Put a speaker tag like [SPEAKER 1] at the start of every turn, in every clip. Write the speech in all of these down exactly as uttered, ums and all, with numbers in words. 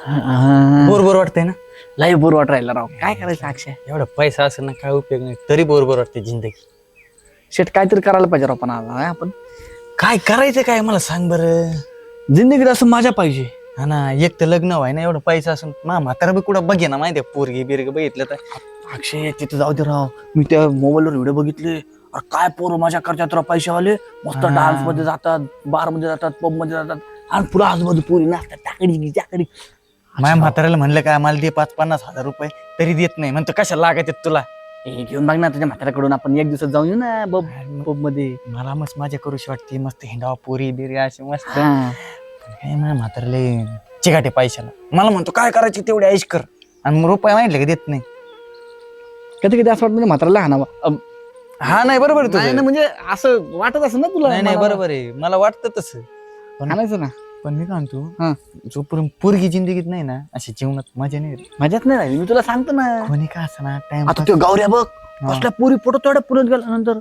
[SPEAKER 1] Bore bore वाटतंय ना.
[SPEAKER 2] लय बोर वाट राहिला राव. काय करायचं अक्षय?
[SPEAKER 1] एवढा पैसा असेल ना काय उपयोग नाही तरी बोर बोर वाटते जिंदगी.
[SPEAKER 2] शेट काहीतरी करायला पाहिजे राव. पण आता आपण
[SPEAKER 1] काय करायचं काय मला सांग बरं.
[SPEAKER 2] जिंदगीत असं मजा पाहिजे.
[SPEAKER 1] हा ना, एक तर लग्न व्हाय ना, एवढा पैसा असून मा म्हातारा बी कुठं बघे ना माहितीये पोरगी बिरगी बघितलं तर.
[SPEAKER 2] अक्षय तिथे जाऊ दे राव. मी त्या मोबाईलवर व्हिडिओ बघितले. अरे काय पोरं मजा करतात राव पैशावाले. मस्त
[SPEAKER 1] हा.
[SPEAKER 2] डान्स मध्ये जातात, बार मध्ये जातात, पब मध्ये जातात आणि पुढे आजूबाजू पोरी नाचतात टाकडी टाकडी.
[SPEAKER 1] माझ्या म्हाताऱ्याला म्हणलं काय मला दे पाच पन्नास हजार रुपये तरी देत नाही. म्हणतो कशा लागायचे तुला.
[SPEAKER 2] हे घेऊन बघ ना तुझ्या म्हाताऱ्याकडून आपण एक दिवसात जाऊन येऊ ना बब पब मध्ये.
[SPEAKER 1] मला मस्त मजा करूशी वाटते. मस्त हिंडावा पोरी बिरी अशी मस्त.
[SPEAKER 2] हा.
[SPEAKER 1] काय माझ्या म्हाताऱ्याला चिकाटे पैशाला. मला म्हणतो काय करायची तेवढी ऐश कर आणि मग रुपये माहितले का देत नाही.
[SPEAKER 2] कधी कधी असं वाटतं म्हाताऱ्याला हाणावा. अम,
[SPEAKER 1] हा नाही बरोबर आहे
[SPEAKER 2] नाही
[SPEAKER 1] तुझं.
[SPEAKER 2] ना, म्हणजे असं वाटत असं ना तुला.
[SPEAKER 1] नाही नाही बरोबर आहे मला वाटतं तसं. पण
[SPEAKER 2] हाणायचं ना.
[SPEAKER 1] पण मी काय म्हणतो
[SPEAKER 2] हा.
[SPEAKER 1] जोपर्यंत पोरगी जिंदगीत नाही ना अशी जीवनात मजा नाही येत.
[SPEAKER 2] मजाच नाही राहिली. मी तुला सांगतो ना.
[SPEAKER 1] कोणी का असं ना टाइम
[SPEAKER 2] आता तो गौऱ्या बघ कसल्या पुरी फोटो तेवढ्या पुरत गेल्यानंतर.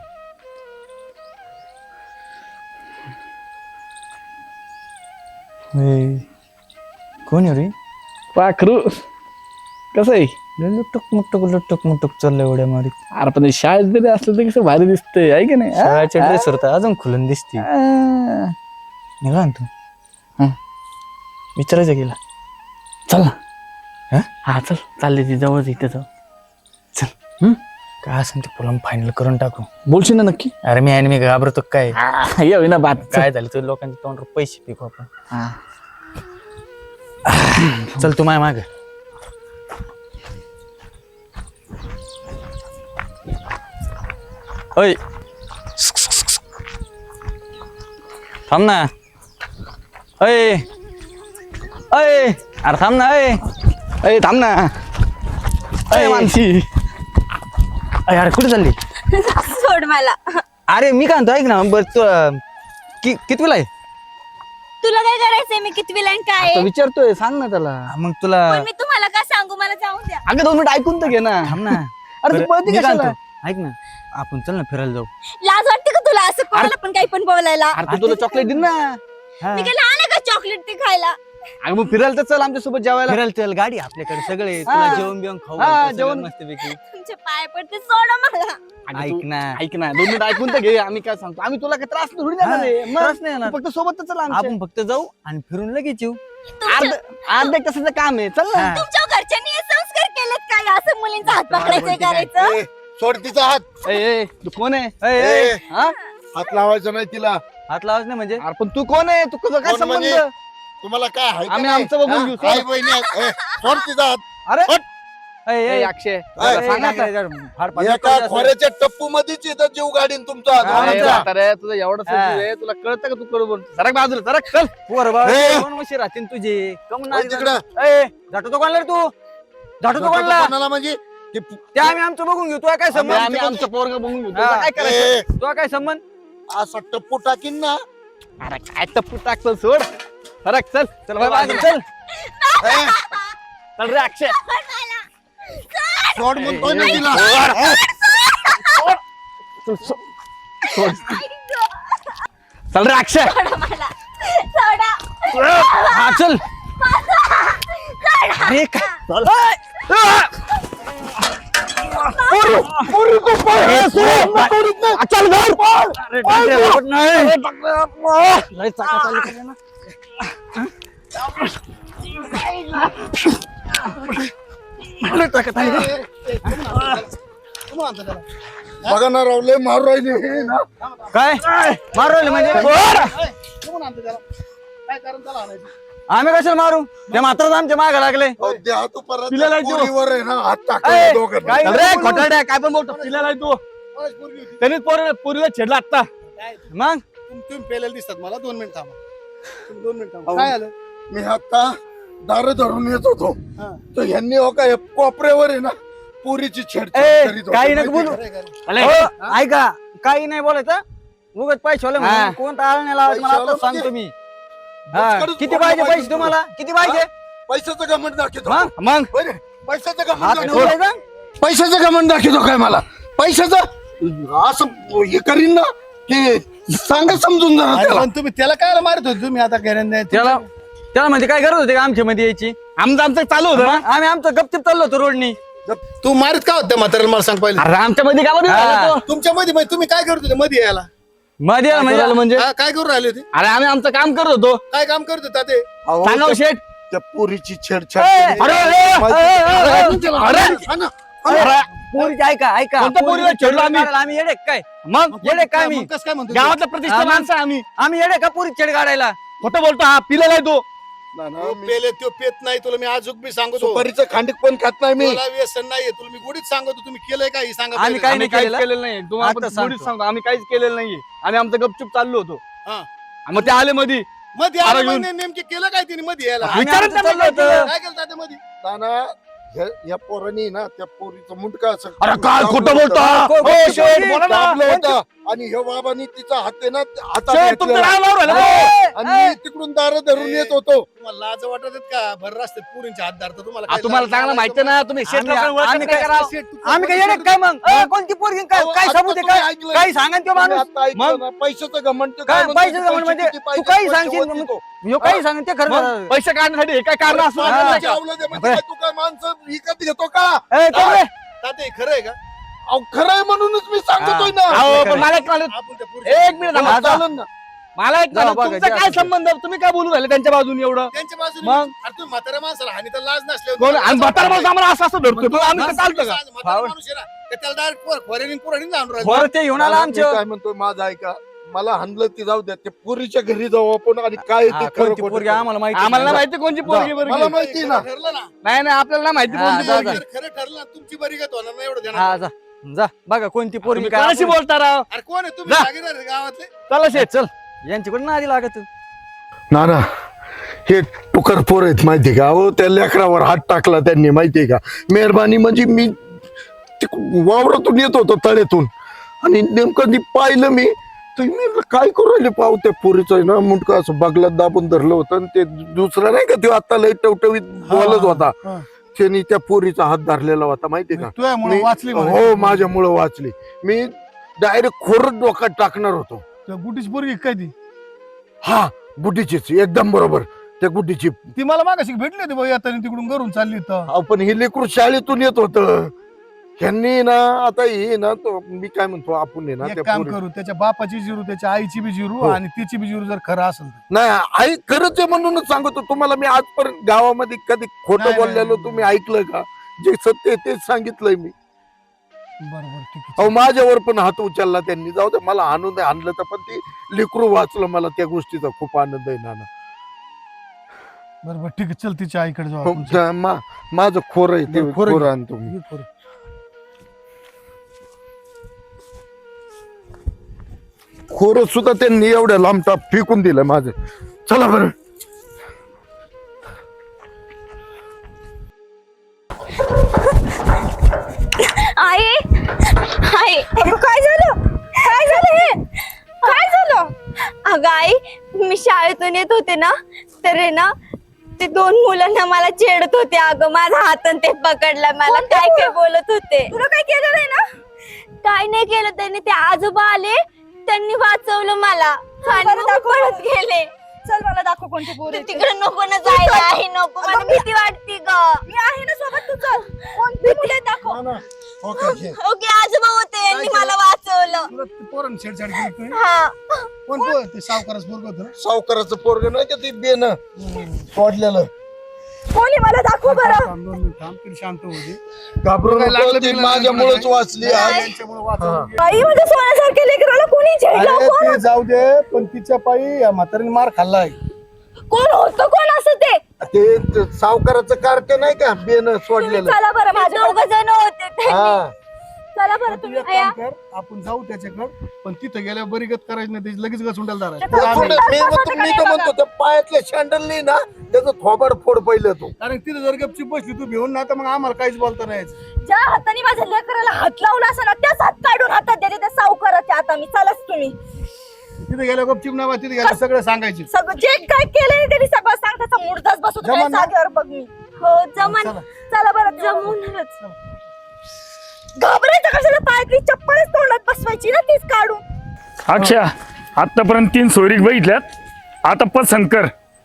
[SPEAKER 1] कोण आहे रे.
[SPEAKER 2] पाखरू कसं आहे?
[SPEAKER 1] लुटुक मुटुक लुटुक मुटुक चाललंय एवढ्या मारी.
[SPEAKER 2] अरे पण शाळेत जरी असलं तर कसं भारी दिसतंय आहे की नाही? आ?
[SPEAKER 1] शाळेच्या ड्रेसवर तर अजून खुलून दिसते.
[SPEAKER 2] आ.
[SPEAKER 1] निघा ना तू.
[SPEAKER 2] हा.
[SPEAKER 1] विचारायचं गेला
[SPEAKER 2] चल ना.
[SPEAKER 1] हा?
[SPEAKER 2] हा चल चालले ती जवळ इथे जाऊ.
[SPEAKER 1] चल.
[SPEAKER 2] हम्म?
[SPEAKER 1] काय असं ते फुलं फायनल करून टाकू.
[SPEAKER 2] बोलशील ना नक्की?
[SPEAKER 1] अरे मी आणि मी घाबरतो काय.
[SPEAKER 2] हा, ये होईना बात.
[SPEAKER 1] काय झालं तू लोकांच्या तोंडावर पैसे पिकू आपण.
[SPEAKER 2] हा.
[SPEAKER 1] चल तू माय माग. ओय थांब ना. अय अय अरे थांब ना. अय
[SPEAKER 2] अरे थांब ना. अरे
[SPEAKER 1] अय.
[SPEAKER 2] मानसी.
[SPEAKER 1] अय अरे कुठे चालली.
[SPEAKER 3] सोड मला.
[SPEAKER 1] अरे मी काय म्हणतो ऐक ना बर तू अं, कि कितवीला आहे.
[SPEAKER 3] तुला काय करायचंय? मी कितवीला आणि काय
[SPEAKER 2] आता
[SPEAKER 3] आहे?
[SPEAKER 2] विचारतोय सांग ना त्याला.
[SPEAKER 1] हा, मग तुला
[SPEAKER 3] पण मी तुम्हाला काय सांगू? मला जाऊ द्या.
[SPEAKER 2] अगं दोन मिनिट ऐकून तर घे ना.
[SPEAKER 1] थांब ना.
[SPEAKER 2] अरे तू
[SPEAKER 1] बरं,
[SPEAKER 2] पळती
[SPEAKER 1] मी काय
[SPEAKER 2] कशाला?
[SPEAKER 1] म्हणतो, ऐक ना आपण चल ना फिरायला जाऊ.
[SPEAKER 3] लाज वाटते का तुला असं कोणाला पण काही पण बोलायला?
[SPEAKER 2] अरे तू तुला चॉकलेट दिन ना.
[SPEAKER 1] हा.
[SPEAKER 3] मी काय लहान आहे का चॉकलेट ते खायला?
[SPEAKER 2] अगं मग फिरायला तर चल आमच्या सोबत जेवायला.
[SPEAKER 1] फिरायला चल गाडी आपल्याकडे सगळे
[SPEAKER 2] हा.
[SPEAKER 1] तुला जेवण बिवण खाऊ
[SPEAKER 2] हा,
[SPEAKER 1] घालतो
[SPEAKER 2] जेवण.
[SPEAKER 1] सगळं मस्तपैकी.
[SPEAKER 3] तुमचे पाय पडते, सोडा मला.
[SPEAKER 2] अगं
[SPEAKER 1] ऐक
[SPEAKER 2] तू-
[SPEAKER 1] ना
[SPEAKER 2] ऐक ना दोन मिनिट ऐकून तर घे. आम्ही काय सांगतो आम्ही तुला काय त्रास थोडी देणार आहे. मग
[SPEAKER 1] त्रास नाही येणार.
[SPEAKER 2] तू फक्त सोबत तर चल आमच्या.
[SPEAKER 1] आपण फक्त जाऊ आणि फिरून लगेच येऊ.
[SPEAKER 2] अर्ध अर्ध एक तासाचं काम आहे चल ना.
[SPEAKER 1] हा.
[SPEAKER 3] तुमच्या घरच्यांनी हे संस्कार केलेत काय? असं मुलींचा हात पकडायचं करायचं?
[SPEAKER 4] ए, सोड तिचा हात.
[SPEAKER 2] ए, ए, तू कोण आहे?
[SPEAKER 1] अय, अय,
[SPEAKER 4] ए,
[SPEAKER 2] हा?
[SPEAKER 4] हात लावायचा नाही तिला.
[SPEAKER 1] हात लावायच नाही म्हणजे.
[SPEAKER 2] अरे पण तू कोण आहे? तू कसं काय
[SPEAKER 4] कोण
[SPEAKER 2] संबंध?
[SPEAKER 4] म्हणजे? तुम्हाला काय आहे का
[SPEAKER 2] आम्ही
[SPEAKER 4] नाही?
[SPEAKER 2] आमचं बघून
[SPEAKER 4] हा?
[SPEAKER 2] घेऊ, सोड.
[SPEAKER 4] आई बहिणी आहेत. ए, सोड तिचा हात.
[SPEAKER 2] अरे
[SPEAKER 4] हट.
[SPEAKER 1] अय,
[SPEAKER 2] ए,
[SPEAKER 1] अय,
[SPEAKER 2] अक्षय
[SPEAKER 1] अय,
[SPEAKER 2] त्याला
[SPEAKER 1] अय,
[SPEAKER 2] सांग आता.
[SPEAKER 1] काय काय फार फार
[SPEAKER 4] एका
[SPEAKER 1] फार
[SPEAKER 4] खोऱ्याच्या टप्पू मध्येच इथं जीव गाडीन तुमचा
[SPEAKER 1] हा,
[SPEAKER 2] अरे
[SPEAKER 4] दोघांचा.
[SPEAKER 2] म्हातारे, तुझं एवढं
[SPEAKER 1] हा.
[SPEAKER 2] सजीव आहे तुला कळतं का तू करू बोल सरक बाजूला सरक चल.
[SPEAKER 1] पोर बाळ
[SPEAKER 4] ए.
[SPEAKER 1] दोन वर्षे राहतील तुझे कम
[SPEAKER 4] वळ
[SPEAKER 1] नाही
[SPEAKER 4] तिकडं.
[SPEAKER 1] जातो तो कोणला रे तू जातो तो
[SPEAKER 4] जातो
[SPEAKER 1] कोणला
[SPEAKER 4] कोणाला म्हणजे की पु-
[SPEAKER 1] ते आम्ही आमचं बघून घेऊ तुला काय
[SPEAKER 2] आम्ही
[SPEAKER 1] संबंध.
[SPEAKER 2] आम्ही आमचं पोरग बघून घेऊ
[SPEAKER 1] हा.
[SPEAKER 2] तुला काय करायचं?
[SPEAKER 4] ए,
[SPEAKER 1] तुला काय संबंध.
[SPEAKER 4] असा टप्पू टाकीन ना.
[SPEAKER 2] अरे काय टप्पू टाकतो सोड. सरक चल चल बाय बाय
[SPEAKER 1] चल.
[SPEAKER 2] चल
[SPEAKER 4] ए,
[SPEAKER 2] चल रे अक्षय.
[SPEAKER 4] सोड म्हणतोय ना तिला.
[SPEAKER 2] चल, सो- सोड. चल रे अक्षय.
[SPEAKER 3] सोडा मला. सोडा.
[SPEAKER 2] हा चल. अरे काय चल. पोरू, पोरू को पळ. ए, सोड. आ, चल घर. अरे डॉक्टर, आवड नाही. अरे डॉक्टर, लय चाका चालू केल्या ना. लय चाका चालू केल्या.
[SPEAKER 4] बघा ना रावले मारू राहिले हे ना.
[SPEAKER 1] काय मारवले म्हणजे आम्ही कशाला मारू ते मात्र आमच्या मागे लागले.
[SPEAKER 4] अहो, द्या तू परत
[SPEAKER 2] तिला लायची.
[SPEAKER 4] पोरीवर आहे ना हात
[SPEAKER 2] ए,
[SPEAKER 4] टाकले दोघांना.
[SPEAKER 2] चल रे खोटारड्या, काय पण बोलतो तिला तू त्यांनीच पोर पोरीला छेडला आता.
[SPEAKER 1] मग
[SPEAKER 5] तुम्ही पेलेला दिसतात मला. दोन मिनिट थांबा. तुम्ही दोन मिनिट थांबा. काय आलं?
[SPEAKER 4] मी आता दार धरून येत होतो
[SPEAKER 5] हा.
[SPEAKER 4] तर ह्यांनी हो का कोपऱ्यावर आहे ना पुरीची छेड
[SPEAKER 1] ए,
[SPEAKER 4] करीत होते,
[SPEAKER 1] काही नको
[SPEAKER 4] माहिती
[SPEAKER 1] बोलू.
[SPEAKER 4] का?
[SPEAKER 5] खरंय, खरंय.
[SPEAKER 2] अरे,
[SPEAKER 1] हो, ऐका काही नाही बोलायचं उगत पैसे होले
[SPEAKER 2] हा.
[SPEAKER 1] म्हणून कोणता आळ नाही लावायचं मला
[SPEAKER 4] पैशावाला
[SPEAKER 1] आता सांगतो मी. हा,
[SPEAKER 4] बुचकडच
[SPEAKER 1] किती
[SPEAKER 4] फोडलं
[SPEAKER 1] पाहिजे
[SPEAKER 4] पाहिजे
[SPEAKER 1] पैसे तुम्हाला किती पाहिजे.
[SPEAKER 4] पैशाचं घमंड दाखवतो
[SPEAKER 1] मग?
[SPEAKER 2] मग
[SPEAKER 4] बरे, पैशाचं
[SPEAKER 1] हात
[SPEAKER 4] घमंड
[SPEAKER 1] नाही
[SPEAKER 4] दाखवतो
[SPEAKER 1] उचलायचा?
[SPEAKER 4] पैशाचं घमंड दाखवतो काय मला पैशाचं असं हे करीन ना की सांगा समजून जरा
[SPEAKER 5] अरे
[SPEAKER 4] त्याला.
[SPEAKER 5] पण तुम्ही त्याला काय मारत होते तुम्ही आता घरांना
[SPEAKER 1] त्याला त्याला म्हणजे काय गरज होती का आमच्या मध्ये यायची?
[SPEAKER 2] आमचं आमचं चालू होतं ना.
[SPEAKER 1] आम्ही आमचं गपचिप चाललो होतो रोडनी.
[SPEAKER 5] तू मारत का होत्या म्हाताऱ्याला मला सांग पहिले.
[SPEAKER 2] अरे आमच्या मध्ये काय मध्ये झाला तो?
[SPEAKER 5] तुमच्या मध्ये म्हणजे तुम्ही काय करत होते मध्ये यायला?
[SPEAKER 1] मध्ये यायला म्हणजे
[SPEAKER 2] म्हणजे
[SPEAKER 5] हा, काय करू राहिले होते?
[SPEAKER 2] अरे आम्ही आमचं काम करत होतो.
[SPEAKER 5] काय काम करत होता ते?
[SPEAKER 4] अहो,
[SPEAKER 2] सांगा हो, शेठ.
[SPEAKER 4] त्या पोरीची छेडछाड
[SPEAKER 1] ए,
[SPEAKER 4] केली.
[SPEAKER 2] अरे, अरे,
[SPEAKER 4] माहिती-
[SPEAKER 2] अरे, अरे,
[SPEAKER 4] अरे,
[SPEAKER 2] अरे,
[SPEAKER 4] हा ना.
[SPEAKER 2] अरे,
[SPEAKER 1] पोरीची ऐका ऐका
[SPEAKER 2] कोणत्या पोरीला
[SPEAKER 1] पोरीला
[SPEAKER 2] छेडलं आम्ही?
[SPEAKER 1] काढायला आम्ही येडे का काय?
[SPEAKER 2] मग
[SPEAKER 1] येडे काय मी?
[SPEAKER 5] मग कसं काय म्हणतो?
[SPEAKER 2] गावातलं प्रतिष्ठा
[SPEAKER 1] हा, मग.
[SPEAKER 2] माणसं आहे आम्ही.
[SPEAKER 1] आम्ही येडे का पोरी छेड काढायला?
[SPEAKER 2] खोटं बोलतो हा पिलेला आहे तो.
[SPEAKER 4] ना, ना,
[SPEAKER 5] तो
[SPEAKER 4] मी
[SPEAKER 5] पेले तो पेत नाही तुला मी अजूक बी सांगतो.
[SPEAKER 4] सुपारीचं खांडिक पण खात नाही मी.
[SPEAKER 5] तुला व्यसन नाहीये तुला मी गोडीत सांगतो. तुम्ही केलंय का हे सांगा
[SPEAKER 1] आम्ही
[SPEAKER 5] पहिले.
[SPEAKER 1] काही
[SPEAKER 2] आम्ही
[SPEAKER 1] नाही
[SPEAKER 2] काहीच
[SPEAKER 1] केलेलं.
[SPEAKER 2] केलेलं नाही तुम्हाला
[SPEAKER 1] आता
[SPEAKER 2] पण
[SPEAKER 1] सांगतो.
[SPEAKER 2] थोडीच सांगतो आम्ही काहीच केलेलं नाहीये. आम्ही आमचं गपचूप चाललो होतो.
[SPEAKER 5] हा.
[SPEAKER 2] मग ते आले मध्ये
[SPEAKER 5] मध्ये
[SPEAKER 2] अरे
[SPEAKER 5] आलं
[SPEAKER 2] येऊन.
[SPEAKER 5] म्हणजे नेमके केलं काय तिने मध्ये यायला?
[SPEAKER 1] आम्ही
[SPEAKER 2] विचारत
[SPEAKER 1] आमचं
[SPEAKER 2] त्यांना
[SPEAKER 1] चाललो
[SPEAKER 2] काय
[SPEAKER 1] होतो.
[SPEAKER 5] काय केलं तात्या मध्ये?
[SPEAKER 4] ना, ना, ह्या- या पोरांनी ना त्या पोरीचं मुंडका असं
[SPEAKER 2] अरे काय
[SPEAKER 4] दाबलं
[SPEAKER 2] खोटं
[SPEAKER 4] होतं.
[SPEAKER 2] बोलतो हा?
[SPEAKER 1] को-
[SPEAKER 2] हो,
[SPEAKER 1] को-
[SPEAKER 2] शेठ,
[SPEAKER 1] को-
[SPEAKER 2] बोला ना.
[SPEAKER 4] दाबलं होतं. आणि ह्या बाबांनी तिचा हात आहे ना हातात
[SPEAKER 2] शेठ, तुमचं
[SPEAKER 4] घेतलेला.
[SPEAKER 2] नाव लावून राहिलं
[SPEAKER 1] ए,
[SPEAKER 2] तो.
[SPEAKER 4] आणि मी तिकडून दार धरून येत होतो.
[SPEAKER 5] तुम्हाला लाज वाटत आहेत का? भर रस्त्यात पुरींचे हात धरता तुम्हाला
[SPEAKER 2] आ,
[SPEAKER 5] काय
[SPEAKER 2] तुम्हाला
[SPEAKER 5] लाज-
[SPEAKER 2] चांगलं
[SPEAKER 5] लाज-
[SPEAKER 2] माहिती ना तुम्ही शेठ
[SPEAKER 1] आम्ही-
[SPEAKER 2] लोकांना ओळखत
[SPEAKER 1] आम्ही
[SPEAKER 2] नाही
[SPEAKER 1] काय-
[SPEAKER 2] का राव?
[SPEAKER 5] शेठ, तू
[SPEAKER 1] आम्ही काय येडे काय मग? ए, कोणती पोरगी काय
[SPEAKER 4] अहो,
[SPEAKER 1] काय
[SPEAKER 4] आता
[SPEAKER 1] सबूत आहे
[SPEAKER 4] तुम्ही
[SPEAKER 1] काय?
[SPEAKER 4] ऐकलं.
[SPEAKER 1] काही सांगा तो
[SPEAKER 4] तुम्ही
[SPEAKER 1] माणूस.
[SPEAKER 4] आता ऐकलं
[SPEAKER 1] मग?
[SPEAKER 4] ना, पैशाचं घमंड ते
[SPEAKER 1] काय
[SPEAKER 4] म्हणतो,
[SPEAKER 1] पैशाचं
[SPEAKER 4] पैसे
[SPEAKER 1] घमंड म्हणजे
[SPEAKER 4] किती
[SPEAKER 1] तू
[SPEAKER 4] पाहिजे,
[SPEAKER 1] काही
[SPEAKER 4] पैसे
[SPEAKER 1] सांगशील
[SPEAKER 4] वरती
[SPEAKER 1] मग-
[SPEAKER 4] तो.
[SPEAKER 1] ह्यो काही सांगेल ते खरं
[SPEAKER 2] मग
[SPEAKER 1] खरं.
[SPEAKER 2] पैसे काढण्यासाठी हे काय कारण असं
[SPEAKER 4] माणूस
[SPEAKER 2] नाही का?
[SPEAKER 4] चावलं ते म्हणजे काय, तू काय माणसं विकत घेतो का?
[SPEAKER 1] ए, कोण रे?
[SPEAKER 5] तात्या, हे खरं आहे का?
[SPEAKER 4] अहो, खरं आहे म्हणूनच मी सांगतोय ना.
[SPEAKER 2] अहो, पण मला एक म्हणलं-
[SPEAKER 5] आपण त्या पोरीच्या-
[SPEAKER 2] एक मिनिट थांबा.
[SPEAKER 4] चालेल ना.
[SPEAKER 2] मला एक
[SPEAKER 1] जाऊ
[SPEAKER 2] म्हणलं,
[SPEAKER 1] बघा,
[SPEAKER 2] तुमचा
[SPEAKER 1] जे
[SPEAKER 2] काय
[SPEAKER 1] असेल ते.
[SPEAKER 2] संबंध तुम्ही काय बोलू राहिले त्यांच्या बाजूने एवढं
[SPEAKER 5] त्यांच्या बाजूने
[SPEAKER 2] मग?
[SPEAKER 5] अरे तुम्ही म्हाताऱ्या माणसाला हानी तर लाज
[SPEAKER 2] कोण
[SPEAKER 5] नसल्यावर
[SPEAKER 2] आणि म्हातारा माणूस आम्हाला असं असं धरतो तो आम्ही
[SPEAKER 5] मग
[SPEAKER 2] तर चालतं का
[SPEAKER 5] म्हातारा माणूस आहे ना, तर त्याला direct पोर- खोऱ्यानी पुराणी जाऊन राहिलं.
[SPEAKER 1] बरं ते घेऊन आला
[SPEAKER 4] मी
[SPEAKER 1] आमच्या
[SPEAKER 4] काय म्हणतोय माझं ऐका, मला हाणलं ती जाऊ द्या, ते पुरीच्या घरी जाऊ आपण आणि काय
[SPEAKER 1] हा,
[SPEAKER 4] ते खरं
[SPEAKER 1] कोणती
[SPEAKER 4] खोटं
[SPEAKER 1] पोरगी
[SPEAKER 4] करू.
[SPEAKER 1] आम्हाला माहिती
[SPEAKER 2] आम्हाला नाही
[SPEAKER 1] नाही.
[SPEAKER 2] माहिती कोणची पोरगी
[SPEAKER 4] मला
[SPEAKER 2] बरं
[SPEAKER 4] माहिती ना.
[SPEAKER 5] खरं ठरलं ना
[SPEAKER 2] नाही नाही आपल्याला नाही माहिती
[SPEAKER 1] हा,
[SPEAKER 2] कोणती
[SPEAKER 1] जा,
[SPEAKER 2] पोरगी.
[SPEAKER 1] जा.
[SPEAKER 5] जर खरं ठरलं ना, तुमची बरी गत होणार नाही एवढं
[SPEAKER 1] हा
[SPEAKER 5] ध्यानात.
[SPEAKER 1] जा जा बघा कोणती पोरगी
[SPEAKER 2] तुम्ही
[SPEAKER 1] काय
[SPEAKER 2] कोणाशी
[SPEAKER 1] आपण-
[SPEAKER 2] बोलता राव
[SPEAKER 5] अरे कोण आहे तुम्ही
[SPEAKER 2] जा.
[SPEAKER 5] जागीरदार आहे गावातले?
[SPEAKER 2] चला शेठ
[SPEAKER 1] चल यांच्याकडे ना आधी लागत
[SPEAKER 4] ना ना हे टुकर पोर आहेत माहितीये का? अहो त्या लेकरावर हात टाकला त्यांनी माहितीये का? मेहरबानी म्हणजे मी ते वावरातून येत होतो तळ्यातून आणि नेमकं ती पाहिलं मी तर मी म्हणलं, काय करू राहिले पाहू त्या पोरीचं ना मुंडकं असं बगलात दाबून धरलं होतं आणि ते दुसरा नाही का तो आता लय टवटवीत बोलत होता
[SPEAKER 5] हा.
[SPEAKER 4] त्यांनी त्या पोरीचा हात धरलेला होता माहितीये का?
[SPEAKER 5] तुझ्यामुळे
[SPEAKER 4] मी-
[SPEAKER 5] वाचली
[SPEAKER 4] हो माझ्यामुळं वाचली. मी डायरेक्ट खोरच डोक्यात टाकणार होतो.
[SPEAKER 5] गुटीची पोरगी काय ती
[SPEAKER 4] हा गुड्डीचीच एकदम बरोबर त्या गुड्डीची.
[SPEAKER 5] ती मला मागाशी भेटली होती बाई आता तिकडून घरून चालली तर
[SPEAKER 4] अहो, पण हे लेकरू शाळेतून येत होत ह्यांनी ना आता हे ना तो मी काय म्हणतो आपण आहे ना
[SPEAKER 5] एक
[SPEAKER 4] त्या
[SPEAKER 5] काम
[SPEAKER 4] पोरी-
[SPEAKER 5] करू त्याच्या बापाची जिरू त्याच्या आईची बी जिरू
[SPEAKER 4] हो.
[SPEAKER 5] आणि तिची बी जिरू जर खरं असेल तर
[SPEAKER 4] नाही आई खरंच आहे म्हणूनच सांगतो तुम्हाला. मी आजपर्यंत गावामध्ये कधी खोटं
[SPEAKER 5] नाही,
[SPEAKER 4] बोललेलो
[SPEAKER 5] नाही.
[SPEAKER 4] तुम्ही ऐकलं का? जे सत्य आहे तेच सांगितलंय मी.
[SPEAKER 5] बरोबर ठीक
[SPEAKER 4] अहो
[SPEAKER 5] आहे
[SPEAKER 4] माझ्यावर पण हात उचलला त्यांनी. जाऊ दे मला आणून नाही आणलं तर पण ते लेकरू वाचलं. मला त्या गोष्टीचा खूप आनंद आहे नाना.
[SPEAKER 5] बरोबर ठीक आहे चल तिच्या आईकडे जाऊ
[SPEAKER 4] हो,
[SPEAKER 5] आपण.
[SPEAKER 4] जा, मा- माझं खोर आहे ते
[SPEAKER 5] बरं, खोरं
[SPEAKER 4] खोर
[SPEAKER 5] घे.
[SPEAKER 4] आणतो मी.
[SPEAKER 5] ये खोरं.
[SPEAKER 4] खोर सुद्धा त्यांनी एवढ्या लांब टाप फेकून दिलं माझं. चला बरं.
[SPEAKER 3] आई आई काय झालं काय झालं हे काय झालं? अगं आई मी शाळेतून येत होते ना तर आहे ना ते दोन मुलांना मला छेडत होते. अगं माझा हातून ते पकडला मला काय काय बोलत होते. तुला काय केलं नाही ना? काय नाही केलं त्यांनी. ते आजोबा आले त्यांनी वाचवलं मला आणि मग मी पळत गेले.
[SPEAKER 6] चल मला दाखव कोणती पोरी
[SPEAKER 3] तू तिकडे नको ना जायला आहे नको मला भीती वाटते ग.
[SPEAKER 6] मी आहे ना सोबत तू चल कोणती मुले दाखव
[SPEAKER 4] ना, ना. Okay, okay.
[SPEAKER 3] ओके आजोबा होते यांनी मला वाचवलं.
[SPEAKER 5] तुला ते पोरांनी छेडछाड केली तुम्ही?
[SPEAKER 3] हा
[SPEAKER 5] कोण पोर? ते सावकारच पोरग होतं ना?
[SPEAKER 4] सावकाराचं पोरग नाही का ते बेन सोडलेलं.
[SPEAKER 6] कोणी मला दाखव बरं.
[SPEAKER 5] थांब, दोन मिनिट थांब, तरी शांत होते
[SPEAKER 4] घाबरून
[SPEAKER 5] काय लागलं
[SPEAKER 4] नको, ती
[SPEAKER 5] बिगलं
[SPEAKER 4] माझ्यामुळेच
[SPEAKER 5] नाही.
[SPEAKER 4] वाचली आज.
[SPEAKER 5] त्यांच्यामुळे वाचवलं.
[SPEAKER 6] बाई म्हणजे सोन्यासारखे लेकराला कोणी छेडलं?
[SPEAKER 5] अरे
[SPEAKER 6] कोण
[SPEAKER 5] ते जाऊ दे पण तिच्या पायी या म्हातारीने मार खाल्लाय.
[SPEAKER 6] कोण होतं कोण असं ते?
[SPEAKER 4] ते ते सावकाराचं कार्ट नाही का बेन सोडलेलं.
[SPEAKER 6] चला बरं माझ्या
[SPEAKER 3] दोघ जण होते ते.
[SPEAKER 4] हा
[SPEAKER 6] चला बरं
[SPEAKER 5] तू
[SPEAKER 6] तुम्ही
[SPEAKER 5] एक काम कर आपण जाऊ त्याच्याकडे पण तिथं गेल्यावर बरी गत करायची नाही त्याची लगेच गचुंडाला
[SPEAKER 6] ते
[SPEAKER 5] धरायचं.
[SPEAKER 4] सोड, मी म्हणतो मी तर म्हणतो त्या पायातल्या शँडल नाही ना त्याचं थोबाड फोड पहिलं तू.
[SPEAKER 5] कारण तिथं जर गपची बसली तू भिवून ना तर मग आम्हाला काहीच बोलता नाही यायचं.
[SPEAKER 6] ज्या हाताने माझ्या लेकराला हात लावला असं ना त्याच हात काढून हातात देते त्या सावकाराच्या आता मी चलाच तुम्ही
[SPEAKER 5] तिथे गेल्यावर गपचीप नाही बा, तिथे गेल्यावर सगळं सांगायचे.
[SPEAKER 6] सगळं जे काय केलंय त्यांनी सगळं सांग त्याचा मुर्दाच बसवतो
[SPEAKER 5] जमा
[SPEAKER 6] त्या
[SPEAKER 5] ना?
[SPEAKER 6] जागेवर बघ मी.
[SPEAKER 3] हो जमन
[SPEAKER 5] चला.
[SPEAKER 6] चला बरं
[SPEAKER 3] जमूनच.
[SPEAKER 6] घाबरायचं कशाला? पायातली चप्पलच तोंडात बसवायची ना तीच काढून.
[SPEAKER 7] अक्षय आतापर्यंत तीन सोयरीक बघितल्यात आता पसंत कर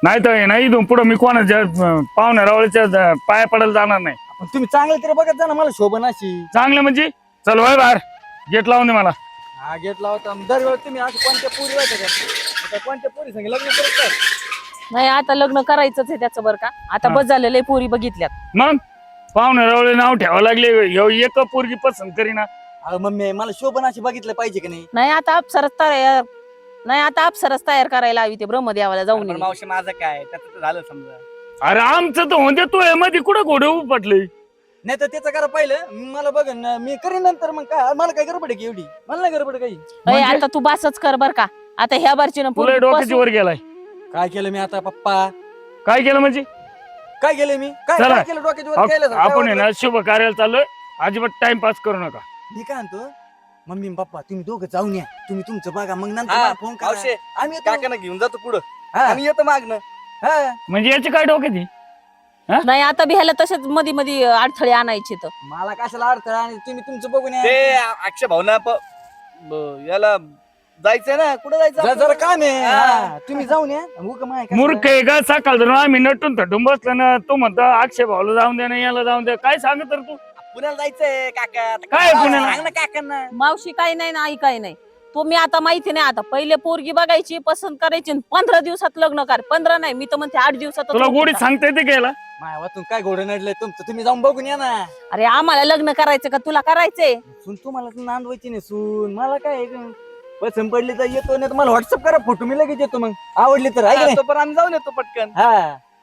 [SPEAKER 7] नाही तर हे नाही इथून पुढं मी कोणाच्या अं, पाहुण्या रावळीच्या अं, पाया पडायला जाणार नाही.
[SPEAKER 1] पण तुम्ही चांगलं तरी बघत जा ना मला शोभन अशी.
[SPEAKER 7] चांगलं म्हणजे चल वय बाहेर गेट लावून दे मला.
[SPEAKER 1] हा गेट लावता दरवेळेस तुम्ही असं कोणत्या पुरी वाटत का कोणत्या पुरी संग लग्न करत काय?
[SPEAKER 2] नाही आता लग्न करायचंच आहे त्याचं बरं का. आता
[SPEAKER 7] हा.
[SPEAKER 2] बस झालेलं आहे, पोरी बघितल्यात.
[SPEAKER 7] मग पाहुण्या रावळे नाव ठेवावं लागले ह्यो एक पोरगी पसंत करीना.
[SPEAKER 1] अहो मम्मी मला शोभन अशी बघितलं पाहिजे की नाही?
[SPEAKER 2] नाही आता अप्सरच तयार नाही आता अप्सरच तयार करायला हवी ते ब्रह्मदेवाला जाऊन ये.
[SPEAKER 1] मावशी माझं काय त्याचं झालं समजा.
[SPEAKER 7] अरे आमचं तर होते तू मध्ये कुठं घोडे उपटले.
[SPEAKER 1] नाही तर त्याचं करा पहिलं मला बघन ना, मी करीन नंतर. मग काय मला काय गडबड आहे की एवढी? मला नाही गडबड काही.
[SPEAKER 2] अय,
[SPEAKER 7] म्हणजे?
[SPEAKER 2] आता तू बासच कर बर का. आता ह्या बारची
[SPEAKER 7] तुला डोक्याची वर गेलाय.
[SPEAKER 1] काय केलं मी आता पप्पा?
[SPEAKER 7] काय केलं म्हणजे
[SPEAKER 1] काय केलं मी? काय
[SPEAKER 7] चला.
[SPEAKER 1] काय केलं डोक्याच्या वर केलं?
[SPEAKER 7] आप- आपण आहे ना शुभ कार्याला चाललोय. अजिबात टाइमपास करू नका.
[SPEAKER 1] मी काय म्हणतो मम्मी आणि पप्पा तुम्ही दोघं जाऊन या. तुम्ही तुमचं बघा मग नंतर
[SPEAKER 8] हा,
[SPEAKER 1] मला फोन करा.
[SPEAKER 8] मावशे,
[SPEAKER 1] आम्ही येतो.
[SPEAKER 8] काकांना घेऊन जातो पुढं
[SPEAKER 1] हा,
[SPEAKER 8] आम्ही येतो मागणं.
[SPEAKER 1] हा.
[SPEAKER 7] म्हणजे याची काय डोक्याची.
[SPEAKER 2] नाही आता बी ह्याला तसेच मध्ये मध्ये अडथळे आणायचे तर.
[SPEAKER 1] मला कशाला अडथळा आणि तुम्ही तुमचं बघून या.
[SPEAKER 8] ते अक्षय भाऊना प- ब- याला जायचंय ना कुठं जायचं
[SPEAKER 1] जरा जरा
[SPEAKER 8] आपल्याला?
[SPEAKER 1] काम आहे.
[SPEAKER 8] हा.
[SPEAKER 1] हा, तुम्ही जाऊन या. उगा माय कशाला?
[SPEAKER 7] मूर्ख आहे का. सकाळ धरून आम्ही नटून थटून बसलो ना. तू म्हणतो अक्षय भाऊला जाऊन दे ना याला जाऊन दे. काय सांगत तर तू.
[SPEAKER 8] पुण्याला जायचंय काका आता
[SPEAKER 7] काय पुण्याला?
[SPEAKER 8] सांग ना काकांना.
[SPEAKER 2] मावशी काही नाही ना आई काही नाही. तुम्ही आता माहिती नाही आता पहिले पोरगी बघायची पसंत करायची आणि पंधरा दिवसात लग्न कर. पंधरा नाही मी तर म्हणते आठ दिवसात
[SPEAKER 7] तुला गोडीत सांगता येते का याला.
[SPEAKER 1] माय वाचून काय घोडं नडलंय तुमचं? तुम्ही जाऊन बघून या ना.
[SPEAKER 2] अरे आम्हाला लग्न करायचं का तुला करायचंय?
[SPEAKER 1] सून तुम्हाला नांदवायची नाही सून. मला काय पसंत पडली तर येतो नाही तर मला व्हॉट्सअप करा फोटो मी लगेच येतो. मग आवडली तर आहे का नाही?
[SPEAKER 8] तो पण आम्ही जाऊन येतो पटकन.
[SPEAKER 1] हा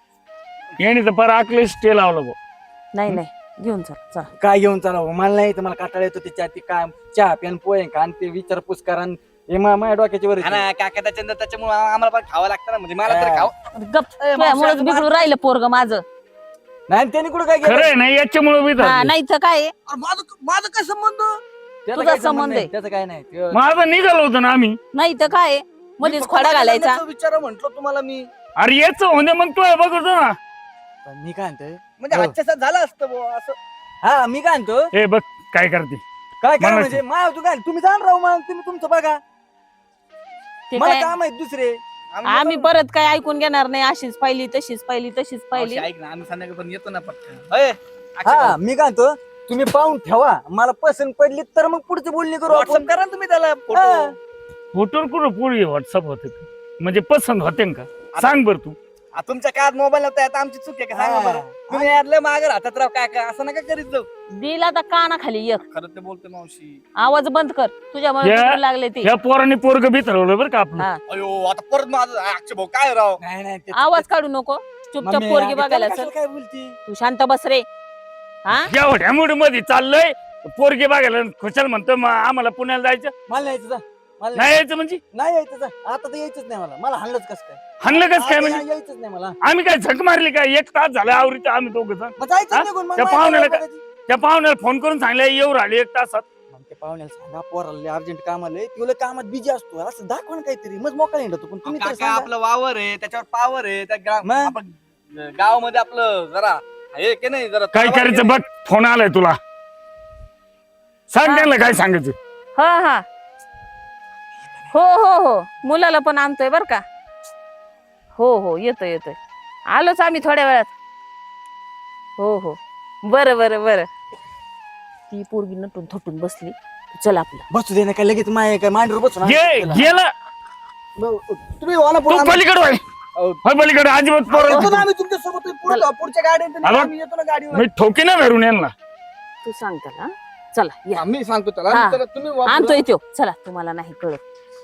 [SPEAKER 7] याने तर पर आकले स्टे लावलं भाऊ.
[SPEAKER 2] नाही नाही घेऊन चल चल.
[SPEAKER 1] काय घेऊन चाला हो? मला नाही तर मला काटाळा येतो त्याच्या ती काय चहा प्यान पोहे का आणि ते विचारपूस करा आणि हे मा- माझ्या डोक्याच्या वर
[SPEAKER 8] हा ना काका त्याच्या त्याच्यामुळे आम्हाला पण खावं लागतं ना म्हणजे मला तर
[SPEAKER 1] हा.
[SPEAKER 8] खाव
[SPEAKER 2] गप तुझ्यामुळेच बिघडून राहिलं पोरग माझं.
[SPEAKER 1] नाही आणि त्याने कुठं काय
[SPEAKER 7] खरं
[SPEAKER 1] केलं?
[SPEAKER 7] आहे ना याच्यामुळे बी
[SPEAKER 2] हा
[SPEAKER 7] झालं.
[SPEAKER 2] नाही तर काय आहे?
[SPEAKER 8] माझं माझं काय संबंध.
[SPEAKER 1] त्याचा
[SPEAKER 2] तुझा
[SPEAKER 1] काय संबंध
[SPEAKER 2] संबंध
[SPEAKER 1] नाही.
[SPEAKER 2] आहे.
[SPEAKER 1] त्याचं काय नाही ते-
[SPEAKER 7] माझं निघालो होतं ना आम्ही.
[SPEAKER 2] नाही तर काय आहे? मध्येच खोडा घालायचा.
[SPEAKER 8] विचार म्हंटल तुम्हाला मी
[SPEAKER 7] अरे याच होते मग तू बघतो ना.
[SPEAKER 1] पण मी काय म्हणतोय
[SPEAKER 8] म्हणजे
[SPEAKER 1] हो.
[SPEAKER 8] आजच्या साथ झालं असतं बुवा असं.
[SPEAKER 1] हा मी काय म्हणतो
[SPEAKER 7] हे बघ काय करते.
[SPEAKER 1] काय काय
[SPEAKER 7] मला-
[SPEAKER 1] म्हणजे मा तू काय तुम्ही जाण राहू मग तुम्ही तुमचं बघा.
[SPEAKER 2] ते
[SPEAKER 1] मला
[SPEAKER 2] काय
[SPEAKER 1] काम आहेत दुसरे.
[SPEAKER 2] आम्ही परत काय ऐकून घेणार नाही. अशीच पाहिली तशीच पाहिली तशीच पाहिली.
[SPEAKER 8] मावशी, ऐक ना आम्ही संध्याकाळी पण येतो ना पटकन. अय, अक्षय
[SPEAKER 1] हा
[SPEAKER 8] भाऊ,
[SPEAKER 1] मी काय म्हणतो तुम्ही पाहून ठेवा. मला पसंत पडली तर मग पुढची बोलणी करू
[SPEAKER 8] व्हॉट्सअप
[SPEAKER 1] आपण.
[SPEAKER 8] करा ना तुम्ही त्याला
[SPEAKER 1] हा.
[SPEAKER 8] फोटो.
[SPEAKER 7] फोटोवर कुठं पुढे व्हॉट्सअप होते का? म्हणजे पसंत होते का सांग बर तू.
[SPEAKER 8] आ, तुमच्या काळात मोबाईल नव्हता आता आमची चूक आहे का सांगा बरं. तुम्ही यातलं मागे राहतात राव काका असं नका करीत जाऊ.
[SPEAKER 2] दिला तर काना खाली एक
[SPEAKER 8] खरं ते बोलते मावशी.
[SPEAKER 2] आवाज बंद कर. तुझ्यामुळे
[SPEAKER 7] या-
[SPEAKER 2] बिघडू लागले ते.
[SPEAKER 7] ह्या पोराने पोरग बी ठरवलं बरं का आपलं.
[SPEAKER 2] हा.
[SPEAKER 8] अयो आता परत माझं अक्षय भाऊ काय राव.
[SPEAKER 1] नाही नाही ते-
[SPEAKER 2] आवाज काढू नको. चुपचाप
[SPEAKER 1] मम्मी,
[SPEAKER 2] पोरगी
[SPEAKER 1] अगं
[SPEAKER 2] बघायला
[SPEAKER 1] त्याला
[SPEAKER 2] चल.
[SPEAKER 1] कशाला काय बोलती?
[SPEAKER 2] तू शांत बस रे. हा
[SPEAKER 7] एवढ्या मूड मध्ये चाललंय. पोरगी बघायला खुशाल म्हणतो "मा- आम्हाला पुण्याला जायचं.
[SPEAKER 1] मला नाही यायचं जा. मला
[SPEAKER 7] नाही
[SPEAKER 1] नाही
[SPEAKER 7] यायचं म्हणजे
[SPEAKER 1] नाही यायचं जा. आता तर यायचंच नाही मला. मला हाणलंच कसं काय?
[SPEAKER 7] हाणलं कसं काय
[SPEAKER 1] आता
[SPEAKER 7] म्हणजे.
[SPEAKER 1] यायचंच नाही मला.
[SPEAKER 7] आम्ही काय झक मारली काय. एक तास झाला आवरीचं आम्ही दोघं जण.
[SPEAKER 1] मग जायचं
[SPEAKER 7] हा?
[SPEAKER 1] निघून. मग
[SPEAKER 7] त्या
[SPEAKER 1] माझ्या
[SPEAKER 7] पाहुण्याला
[SPEAKER 1] काय
[SPEAKER 7] काय-
[SPEAKER 1] बघायची?
[SPEAKER 7] त्या पाहुण्याला फोन करून सांगलं येऊ राहिले एक तासात.
[SPEAKER 1] मग ते पाहुण्याला सांगा पोराला अर्जंट काम आलंय. तुला कामात बिजी असतो असं दाखवा ना काहीतरी. मग मोकळा येणार पण तुम्ही तरी
[SPEAKER 8] काका
[SPEAKER 1] सांगा.
[SPEAKER 8] आपलं वावर आहे त्याच्यावर पावर आहे त्या गा-
[SPEAKER 1] मग?
[SPEAKER 8] आपण गावामध्ये आपलं जरा हे की नाही जरा
[SPEAKER 7] काय
[SPEAKER 8] ताबा
[SPEAKER 7] करायचं
[SPEAKER 8] आहे
[SPEAKER 7] बघ. फोन आलाय तुला. सांग त्यांना काय सांगायचं.
[SPEAKER 2] हा हा हो हो हो मुलाला पण आणतोय बर का. हो हो येतोय येतोय. आलोच आम्ही थोड्या वेळात. हो हो बरं बरं बरं. ती पोरगी नटून थटून बसली. चल आपलं.
[SPEAKER 1] बसू दे ना काय लगेच माय काय मांडीवर बसून
[SPEAKER 7] गे
[SPEAKER 1] आणतो त्याला.
[SPEAKER 7] गेला
[SPEAKER 1] ब- तुम्ही वाला
[SPEAKER 7] तू
[SPEAKER 1] पुढं आम्ही-
[SPEAKER 7] पलीकडे होय.
[SPEAKER 1] अहो.
[SPEAKER 7] होय पलीकडे अजिबात
[SPEAKER 1] येतो
[SPEAKER 7] पोरं
[SPEAKER 1] ना आम्ही तुमच्या सोबत पुढं- पुढच्या गाडीत
[SPEAKER 7] आलो.
[SPEAKER 1] आम्ही येतो ना गाडीवर.
[SPEAKER 7] मी ठोकी ना धरून यांना.
[SPEAKER 2] तू सांग त्याला हा? चला या.
[SPEAKER 5] आम्ही सांगतो त्याला
[SPEAKER 2] हा.
[SPEAKER 5] त्याला तुम्ही वापरा.
[SPEAKER 2] आणतोय तो. चला तुम्हाला नाही कळत.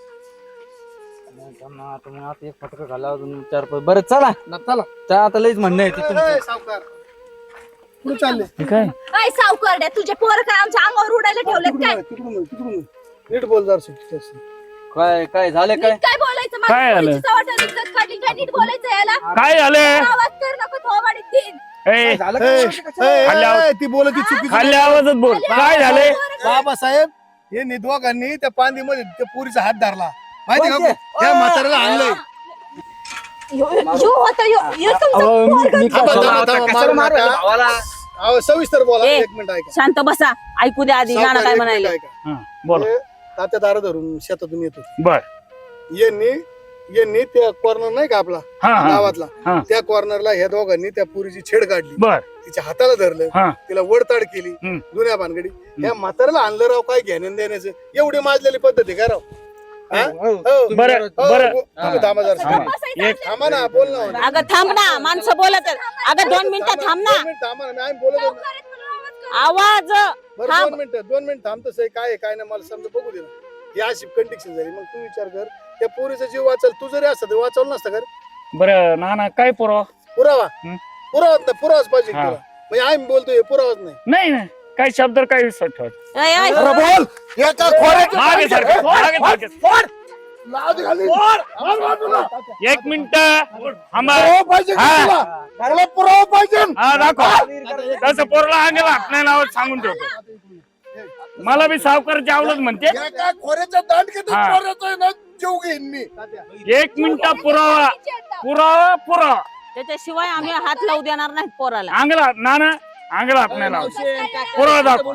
[SPEAKER 1] आता मग आता एक फटका घाला अजून चार पाच. बरं चला.
[SPEAKER 5] ना, चला
[SPEAKER 1] चला, आता लईच म्हणणं आहे ते
[SPEAKER 5] ए,
[SPEAKER 1] तुमचं.
[SPEAKER 5] ए, सावकार कुठे चालले
[SPEAKER 7] काय
[SPEAKER 6] काय सावकारड्या तुझे पोर काय आमच्या अंगावर उडायला ठेवलेत काय?
[SPEAKER 5] तिकडून ये, तिकडून ये. नीट बोल जरा सुट्टी
[SPEAKER 1] काय काय झालं काय?
[SPEAKER 6] नीट काय बोलायचं? माझ्या
[SPEAKER 7] काय झालं?
[SPEAKER 6] पोरीची चव्हाट्यावर इज्जत काढली काय? नीट बोलायचं याला.
[SPEAKER 7] काय झालं.
[SPEAKER 6] आवाज कर नको थोबाडीत देईन.
[SPEAKER 7] ए
[SPEAKER 1] झालं
[SPEAKER 5] ए,
[SPEAKER 1] काय?
[SPEAKER 5] ए,
[SPEAKER 7] खाली आवाज.
[SPEAKER 5] ए, ती बोलत ती चुकीची
[SPEAKER 7] खाल्ल्या आवाजात बोल. काय झालंय.
[SPEAKER 5] बाबासाहेब हे निधवाकांनी त्या पांदीमध्ये त्या पुरीचा हात धरला माहिती का
[SPEAKER 1] कोणते?
[SPEAKER 5] त्या म्हाताऱ्याला आणलंय.
[SPEAKER 6] यो यो होता यो यो तुमचा
[SPEAKER 1] अहो, मी-
[SPEAKER 6] पोरगा.
[SPEAKER 1] मी काय
[SPEAKER 5] थांबा,
[SPEAKER 1] बोलणार?
[SPEAKER 5] थांबा, थांबा,
[SPEAKER 8] कशाला
[SPEAKER 5] मारू
[SPEAKER 8] मारू
[SPEAKER 5] नका.
[SPEAKER 8] भावाला.
[SPEAKER 5] अहो, सविस्तर बोला
[SPEAKER 2] ए.
[SPEAKER 5] एक मिनिट ऐका
[SPEAKER 2] शांत बसा. ऐकू द्या आधी नाना
[SPEAKER 5] सावकार,
[SPEAKER 2] काय
[SPEAKER 5] एक
[SPEAKER 2] म्हणाले.
[SPEAKER 5] मिनिट ऐका.
[SPEAKER 7] हा, बोला
[SPEAKER 5] हे तात्या दारा धरून शेतातून येतो
[SPEAKER 7] बर
[SPEAKER 5] यांनी यांनी त्या कॉर्नर नाही का आपला
[SPEAKER 7] हा हा
[SPEAKER 5] गावातला
[SPEAKER 7] हा.
[SPEAKER 5] त्या कॉर्नरला ह्या दोघांनी त्या पुरीची छेड काढली,
[SPEAKER 7] बर
[SPEAKER 5] तिच्या हाताला धरलं,
[SPEAKER 7] हा
[SPEAKER 5] तिला वडताड केली
[SPEAKER 7] हम्म.
[SPEAKER 5] जुन्या भानगडी. या म्हाताऱ्याला आणलं राव काय घेणं देण्याचं, एवढी माजलेली पद्धती का राव? हा? हो.
[SPEAKER 7] बरं
[SPEAKER 5] हो,
[SPEAKER 7] बरं
[SPEAKER 5] हो, तुम्ही थांबा जरा.
[SPEAKER 7] थांबा. एक
[SPEAKER 5] थांबा ना, बोल ना.
[SPEAKER 2] अगं थांब ना, माणसं बोलत आहेत. अगं दोन मिनिटं थांब ना.
[SPEAKER 5] दोन मिनिटं थांबा ना, आम्ही बोलत होतो ना.
[SPEAKER 2] आवाज
[SPEAKER 5] बरं
[SPEAKER 2] थांब.
[SPEAKER 5] दोन मिनिटं दोन मिनिटं थांबतो आहे काय आहे, काय नाही मला समजा बघू दे ना. ही अशी कंडिक्शन झाली, मग तू विचार कर त्या पोरीचा जीव वाचल, तू जरी असत वाचवलं नसतं कर
[SPEAKER 7] बरं ना ना काय पुरावा
[SPEAKER 5] पुरावा
[SPEAKER 7] हम्म.
[SPEAKER 5] पुरावाच नाही, पुरावाच पाहिजे
[SPEAKER 7] हा.
[SPEAKER 5] तुला. म्हणजे आम्ही बोलतोय पुरावाच नाही.
[SPEAKER 7] नाही नाही काय शब्द काय विसरत ठेवत
[SPEAKER 2] ऐ, ऐ.
[SPEAKER 4] अरे बोल एका खोऱ्याच्या
[SPEAKER 7] मागे सारखं मागे सारखं
[SPEAKER 4] लाज घालीन. मार बाजूला.
[SPEAKER 7] एक मिनिट थांबा
[SPEAKER 4] पुरावा पाहिजे का
[SPEAKER 7] हा.
[SPEAKER 4] तुला? तुला पुरावा पाहिजे.
[SPEAKER 7] हा दाखव तसं पोरला अंगाला हात नाही लावत सांगून ठेवतो. मला बी सावकाराची आवडत म्हणते
[SPEAKER 4] एका खोऱ्याच्या दांड किती
[SPEAKER 7] हा.
[SPEAKER 4] चोऱ्याचा आहे ना, जीव घेईन मी.
[SPEAKER 7] एक मिनिट पुरावा पुरावा पुरावा
[SPEAKER 2] त्याच्याशिवाय आम्ही हात लावू देणार नाही पोराला.
[SPEAKER 7] अंगला ना ना अंगला हात नाही लावत पुरावा दाखव.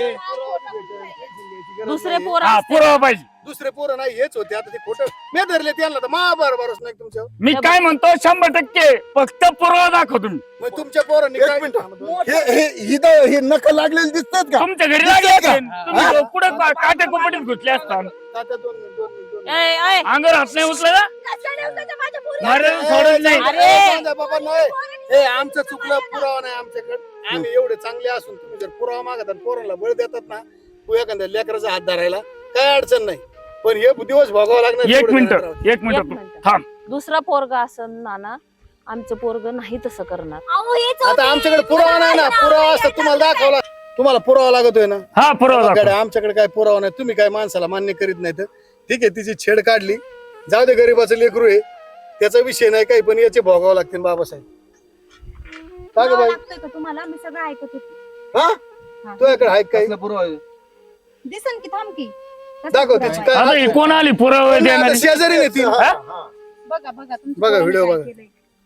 [SPEAKER 2] दुसरे पोर
[SPEAKER 7] हा पुरावा पाहिजे.
[SPEAKER 5] दुसरे पोरं नाही हेच होते, आता ते खोटं मी धरले त्यांना तर मा बरोबरच नाही तुमच्या.
[SPEAKER 7] मी काय म्हणतो शंभर टक्के फक्त पुरावा दाखव तुम्ही.
[SPEAKER 5] मग तुमच्या पोरांनी
[SPEAKER 4] एक
[SPEAKER 5] काय
[SPEAKER 4] मिनिट. हे हे इथं हे नख लागलेले दिसतात का?
[SPEAKER 7] तुमच्या घरी
[SPEAKER 4] दिसतंय
[SPEAKER 7] लागले
[SPEAKER 4] का?
[SPEAKER 7] असेल. तुम्ही पुढे काट्या कुपटीत घुसले असतात.
[SPEAKER 5] तात्या दोन मिनिट दोन मिनिट दोन मिनिट.
[SPEAKER 2] ऐ, ऐ.
[SPEAKER 7] अंगावर हात नाही उचला ना मरण सोडून नाही.
[SPEAKER 2] अरे.
[SPEAKER 5] सांगा बाबा नाही, हे आमचं चुकलं, पुरावा नाही आमच्याकडे. आम्ही एवढे चांगले असून तुम्ही जर पुरावा मागतात आणि पोरांना बळ देतात ना, तू एखाद्या लेकराचा हात धरायला काय अडचण नाही, पण हे दिवस भोगावं लागणार.
[SPEAKER 7] एक
[SPEAKER 5] तेवढं
[SPEAKER 7] मिनिट
[SPEAKER 5] जरा राहू.
[SPEAKER 7] एक
[SPEAKER 2] एक
[SPEAKER 7] मिनिट
[SPEAKER 2] मिनिट.
[SPEAKER 7] थांब.
[SPEAKER 2] दुसरा पोरगा असं नाना आमचं पोरग नाही तसं करणार.
[SPEAKER 3] अहो, हेच
[SPEAKER 5] आता
[SPEAKER 3] होते.
[SPEAKER 5] आमच्याकडे पुरावा नाही ना, पुरावा असता तुम्हाला दाखवला, तुम्हाला पुरावा लागतोय ना.
[SPEAKER 7] हा पुरावा
[SPEAKER 5] आमच्याकडे
[SPEAKER 7] दाखव.
[SPEAKER 5] आमच्याकडे काय पुरावा नाही, तुम्ही काय माणसाला मान्य करीत नाही तर ठीक आहे. तिची छेड काढली, जाऊ दे, गरीबाचं लेकरू आहे, त्याचा विषय नाही काही, पण याचे भोगावं लागतील बाबासाहेब. का ग बाई?
[SPEAKER 6] लागतोय का तुम्हाला? मी सगळं ऐकत होते.
[SPEAKER 5] हा तुझ्याकडे आहे काही
[SPEAKER 6] दिसन की थांब की कसं
[SPEAKER 5] दाखव
[SPEAKER 6] पुरावा
[SPEAKER 5] त्याची
[SPEAKER 6] आहे?
[SPEAKER 7] आता
[SPEAKER 5] काय
[SPEAKER 7] ही कोण आली पुरावा
[SPEAKER 5] आता
[SPEAKER 7] देणारी?
[SPEAKER 5] शेजारी नेतील.
[SPEAKER 7] हा?
[SPEAKER 6] बघा बघा तुमच्या
[SPEAKER 5] बघा,
[SPEAKER 6] पोराने
[SPEAKER 5] व्हिडिओ
[SPEAKER 6] काय
[SPEAKER 5] बघा.
[SPEAKER 6] केलंय.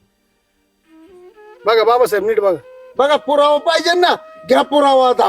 [SPEAKER 5] बघा बाबासाहेब नीट बघा.
[SPEAKER 4] बघा पुरावा पाहिजे ना, घ्या पुरावा आता.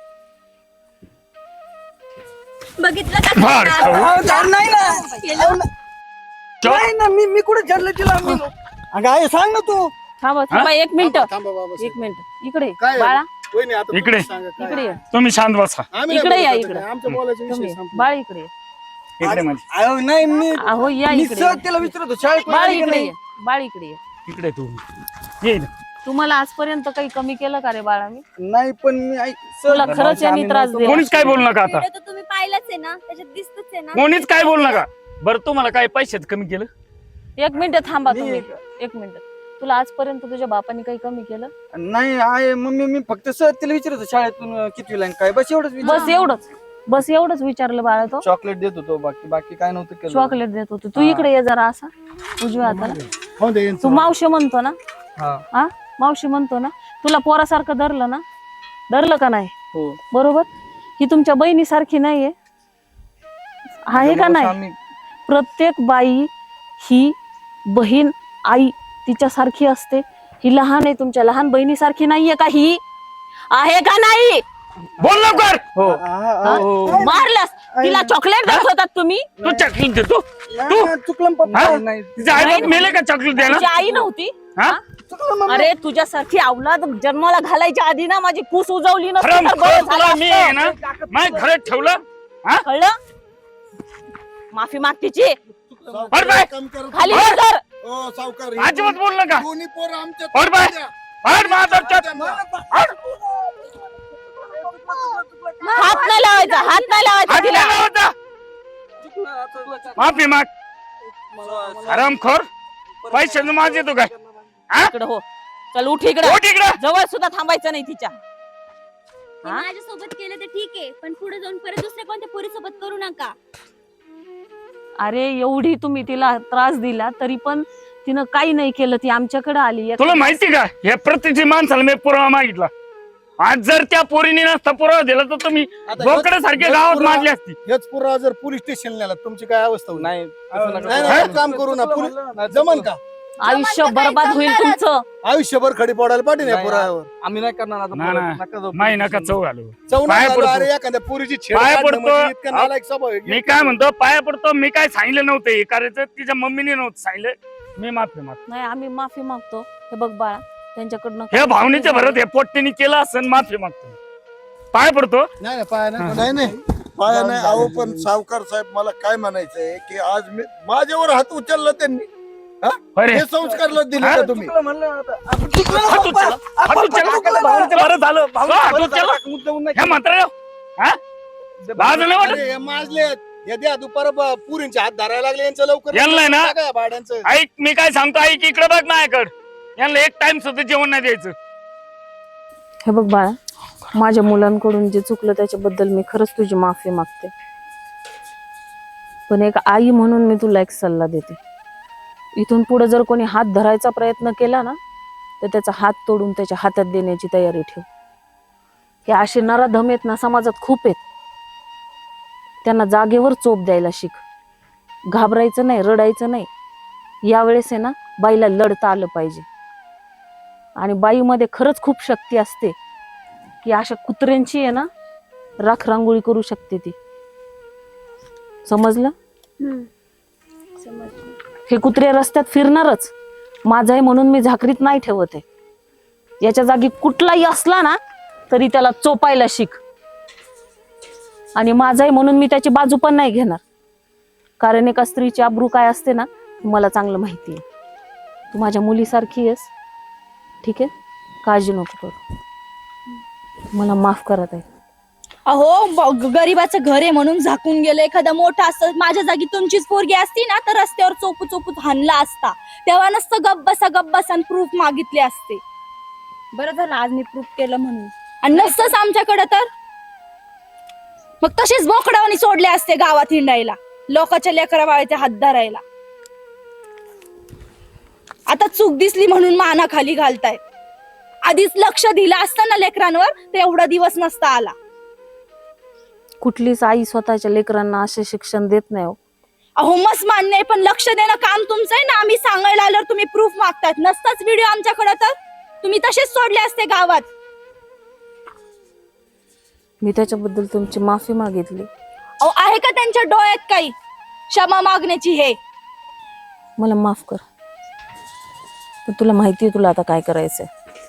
[SPEAKER 3] बघितलं का?
[SPEAKER 7] फार खाऊ.
[SPEAKER 8] नाही ना
[SPEAKER 3] केलं.
[SPEAKER 8] नाही ना, मी मी कुठे झडलं तिला. मी- अगं आहे, सांग ना तू.
[SPEAKER 2] थांबा थांबा एक मिनिट
[SPEAKER 5] थांबा, थांबा बाबासाहेब.
[SPEAKER 2] एक मिनिट इकडे
[SPEAKER 5] काय आहे?
[SPEAKER 2] बाळा
[SPEAKER 5] वहिनी, आता
[SPEAKER 7] इकडे.
[SPEAKER 5] तुम्ही सांगा काय.
[SPEAKER 2] इकडे ये.
[SPEAKER 7] तुम्ही शांत बसा.
[SPEAKER 5] आम्ही
[SPEAKER 2] इकडे
[SPEAKER 5] नाही
[SPEAKER 2] या,
[SPEAKER 5] बोलत
[SPEAKER 2] इकडे.
[SPEAKER 5] आता. आमच्या बोलायचा विषय
[SPEAKER 2] तुम्ही
[SPEAKER 5] संपला.
[SPEAKER 2] बाळ इकडे ये.
[SPEAKER 7] इकडे म्हणजे
[SPEAKER 8] अहो, नाही मी
[SPEAKER 2] अहो या
[SPEAKER 8] मी
[SPEAKER 2] इकडे
[SPEAKER 8] सहज तिला विचारत होतो, शाळेत
[SPEAKER 2] बाळ
[SPEAKER 8] आली की
[SPEAKER 2] इकडे
[SPEAKER 8] नाही?
[SPEAKER 2] ये बाळ इकडे ये.
[SPEAKER 7] इकडे तू ये इथं.
[SPEAKER 2] तुम्हाला आजपर्यंत काही कमी केलं का रे बाळा मी?
[SPEAKER 8] नाही पण मी ऐक- सहज-
[SPEAKER 2] तुला खरंच यांनी
[SPEAKER 8] आम्ही
[SPEAKER 2] त्रास
[SPEAKER 8] नव्हतो.
[SPEAKER 2] दिला.
[SPEAKER 7] कोणीच काय बोलू नका आता.
[SPEAKER 3] व्हिडिओ तर तुम्ही पाहिलाच आहे ना, त्याच्यात दिसतच आहे ना.
[SPEAKER 7] कोणीच काय बोलू नका. बरं तुम्हाला काय पैशात कमी केलं?
[SPEAKER 2] एक मिनिट थांबा
[SPEAKER 8] मी-
[SPEAKER 2] तुम्ही एक मिनिट. तुला आजपर्यंत तुझ्या बापाने काही कमी केलं?
[SPEAKER 8] नाही आहे मम्मी, मी फक्त सहज तिला विचारत होतो शाळेतून किती लाईन काय, बस एवढंच विचार-
[SPEAKER 2] बस एवढंच बस एवढंच विचारलं बाळा तो.
[SPEAKER 8] चॉकलेट देत होतो, बाकी बाकी काय नव्हतं केलं.
[SPEAKER 2] चॉकलेट देत होतो. तू
[SPEAKER 8] हा.
[SPEAKER 2] इकडे ये जरा असा उजव्या हाताला.
[SPEAKER 5] हो दे यांचं.
[SPEAKER 2] तू मावशी म्हणतो ना?
[SPEAKER 8] हा.
[SPEAKER 2] हा मावशी म्हणतो ना? तुला पोरासारखं धरलं ना? धरलं का नाही?
[SPEAKER 8] हो.
[SPEAKER 2] बरोबर. ही तुमच्या बहिणीसारखी नाहीये, आहे का नाही?
[SPEAKER 8] आम्ही-
[SPEAKER 2] प्रत्येक बाई ही बहीण आई तिच्यासारखी असते. ही लहान आहे, तुमच्या लहान बहिणीसारखी नाहीये का? ही आहे का नाही?
[SPEAKER 7] बोल लवकर.
[SPEAKER 8] हो.
[SPEAKER 2] हा?
[SPEAKER 8] हो.
[SPEAKER 2] मारलंस तिला चॉकलेट देत होतात तुम्ही?
[SPEAKER 7] तू चॉकलेट देतो.
[SPEAKER 8] नाही, चुकलं पप्पा.
[SPEAKER 7] हा?
[SPEAKER 8] नाही
[SPEAKER 7] तिचे आई बाप मेले का चॉकलेट द्यायला?
[SPEAKER 2] तुझी आई नव्हती?
[SPEAKER 7] हा?
[SPEAKER 8] चुकलं मम्मी.
[SPEAKER 2] अरे तुझ्यासारखी अवलाद जन्माला घालायच्या आधी ना माझी कूस उजवली नसती
[SPEAKER 7] हराम
[SPEAKER 2] तर बरं
[SPEAKER 7] खोर
[SPEAKER 2] झालं
[SPEAKER 7] तुला मी
[SPEAKER 2] असतं.
[SPEAKER 7] आहे ना माझ्या घरात ठेवलं. हा?
[SPEAKER 2] कळलं? माफी माग तिची.
[SPEAKER 7] बरं बाय.
[SPEAKER 4] काम करत-
[SPEAKER 2] खाली
[SPEAKER 7] बरं.
[SPEAKER 2] उतर.
[SPEAKER 4] ओ, सावकार,
[SPEAKER 7] अजिबात बोल नका.
[SPEAKER 4] दोन्ही पोरं आमच्या
[SPEAKER 7] बरं बाय.
[SPEAKER 4] द्या.
[SPEAKER 7] हट महादरच्यात. हट.
[SPEAKER 2] हात नाही लावायचा हात नाही लावायचा
[SPEAKER 7] हट
[SPEAKER 2] तिला.
[SPEAKER 7] गेला होता. माफी माग. हरामखोर. पैशाचं माझ येतो काय? हा?
[SPEAKER 2] इकडं हो. चल उठ इकडे.
[SPEAKER 7] हो तिकडं.
[SPEAKER 2] जवळ सुद्धा थांबायचं नाही तिच्या.
[SPEAKER 3] ते माझ्यासोबत केलं तर ठीक आहे, पण पुढे जाऊन परत दुसऱ्या कोणत्या पोरीसोबत करू नका.
[SPEAKER 2] अरे एवढी तुम्ही तिला त्रास दिला तरी पण तिनं काही नाही केलं. ती आमच्याकडे आली.
[SPEAKER 7] तुला माहिती का या प्रत्येक माणसाला मी पुरावा मागितला. आज जर त्या पोरीने नसता पुरावा दिला तर तुम्ही
[SPEAKER 5] आता
[SPEAKER 7] बोकडे सारखे
[SPEAKER 5] हेच
[SPEAKER 7] गावात
[SPEAKER 5] पुरावा-
[SPEAKER 7] मारली असती.
[SPEAKER 5] हेच पुरावा जर पोलीस स्टेशन नेला तुमची काय अवस्था होईल?
[SPEAKER 8] नाही
[SPEAKER 5] नाही, नाही, एक काम करू ना, पोलीस- जमन का?
[SPEAKER 2] आयुष्य
[SPEAKER 6] जमानचं काही
[SPEAKER 2] बरबाद होईल
[SPEAKER 6] जमणारच.
[SPEAKER 2] तुमचं.
[SPEAKER 5] आयुष्यभर खडी पडायला पाठी नाही
[SPEAKER 1] नाही,
[SPEAKER 5] पुरावर
[SPEAKER 1] आम्ही नाही करणार आता
[SPEAKER 7] ना,
[SPEAKER 1] परत.
[SPEAKER 7] ना.
[SPEAKER 1] नका जाऊ.
[SPEAKER 7] माही नका चव घालू
[SPEAKER 5] चौना
[SPEAKER 7] पाया
[SPEAKER 5] झालो,
[SPEAKER 7] पडतो.
[SPEAKER 5] अरे एखाद्या पुरीची छेड
[SPEAKER 7] पाया
[SPEAKER 5] काढणं
[SPEAKER 7] पडतो.
[SPEAKER 5] म्हणजे इतका नालायक स्वभाव आहे.
[SPEAKER 7] मी काय म्हणतो पाया पडतो मी काय सांगितलं नव्हतं हे करायचं तिच्या मम्मीने नव्हतं सांगितलं मी माफी मागतो
[SPEAKER 2] नाही आम्ही माफी मागतो. हे बघ बाळा त्यांच्याकडनं
[SPEAKER 7] हे भावनेच्या भरत हे पोट्टीने केलं असं माफी मागतो पाया पडतो.
[SPEAKER 5] नाही नाही, पाया नाही
[SPEAKER 4] नाही नाही पाया नाही अहो पण सावकार साहेब मला काय म्हणायचंय की आज मी माझ्यावर हात उचलला त्यांनी
[SPEAKER 7] अरे
[SPEAKER 4] हे संस्कारला दिले
[SPEAKER 7] हा?
[SPEAKER 4] का तुम्ही
[SPEAKER 1] चुकलं म्हणलं ना आता. आपण चुकलं ना
[SPEAKER 7] हात
[SPEAKER 1] पप्पा.
[SPEAKER 7] उचलला. हात
[SPEAKER 1] आपण
[SPEAKER 7] उचलला.
[SPEAKER 1] चुकलं, भावनेचं बरं झालं. भावनेचं
[SPEAKER 7] हात
[SPEAKER 1] बरं
[SPEAKER 7] उचलला.
[SPEAKER 1] झालं. मुद्दामून नाही
[SPEAKER 7] ह्या
[SPEAKER 1] केलं.
[SPEAKER 7] म्हाताऱ्या हा लाज नाही वाटत
[SPEAKER 5] अरे, हे माजलेत हे द्या दुपार ब- पुरींचे हात धरायला लागले यांचं लवकर
[SPEAKER 7] यांना ना?
[SPEAKER 5] टाका या भाड्यांचं.
[SPEAKER 7] ऐक मी काय सांगतो ऐक इकडे बघ माझ्याकडे यांना एक टाइम सुद्धा जेवण नाही द्यायचं.
[SPEAKER 2] हे बघ बाळा माझ्या मुलांकडून जे चुकलं त्याच्याबद्दल मी खरंच तुझी माफी मागते. पण एक आई म्हणून मी तुला एक सल्ला देते. इथून पुढे जर कोणी हात धरायचा प्रयत्न केला ना तर त्याचा हात तोडून त्याच्या हातात देण्याची तयारी ठेव. हे असे नराधम आहेत ना समाजात खूप आहेत. त्यांना जागेवर चोप द्यायला शिक. घाबरायचं नाही, रडायचं नाही. यावेळेस आहे ना बाईला लढता आलं पाहिजे. आणि बाईमध्ये खरंच खूप शक्ती असते की अशा कुत्र्यांची आहे ना राख रांगोळी करू शकते ती. समजलं? हे कुत्रे रस्त्यात फिरणारच. माझा आहे म्हणून मी झाकरीत नाही ठेवत आहे. याच्या जागी कुठलाही असला ना तरी त्याला चोपायला शिक. आणि माझा आहे म्हणून मी त्याची बाजू पण नाही घेणार. कारण एका स्त्रीची अब्रू काय असते ना मला चांगलं माहिती आहे. तू माझ्या मुलीसारखी आहेस. ठीक आहे काळजी नको करू. मला माफ करत आहे.
[SPEAKER 6] अहो ब- गरीबाचं घर आहे म्हणून झाकून गेलं. एखादा मोठा असतं माझ्या जागी तुमचीच पोरगी असती ना तर रस्त्यावर चोपू चोपू हाणला असता. तेव्हा नसतं गप बसा गप बसा प्रूफ मागितले असते. बरं झालं आज मी प्रूफ केलं म्हणून. आणि नसतंच आमच्याकडे तर मग तसेच बोकडावानी सोडले असते गावात हिंडायला लोकांच्या लेकरा बाळाचे हात धरायला. आता चूक दिसली म्हणून माना खाली घालताय. आधीच लक्ष दिलं असतं ना लेकरांवर तर एवढा दिवस नसता आला.
[SPEAKER 2] कुठलीच आई स्वतःच्या लेकरांना असे शिक्षण देत नाही हो.
[SPEAKER 6] अहो मस्त मान्य आहे पण लक्ष देणं काम तुमचं आहे ना. आम्ही सांगायला आल्यावर तुम्ही प्रूफ मागतात. नसताच व्हिडिओ आमच्याकडे तर तुम्ही तसेच सोडले असते गावात.
[SPEAKER 2] मी त्याच्याबद्दल तुमची माफी मागितली.
[SPEAKER 6] अहो आहे का त्यांच्या डोळ्यात काही क्षमा मागण्याची? हे
[SPEAKER 2] मला माफ कर. पण तुला माहिती आहे तुला आता काय करायचंय.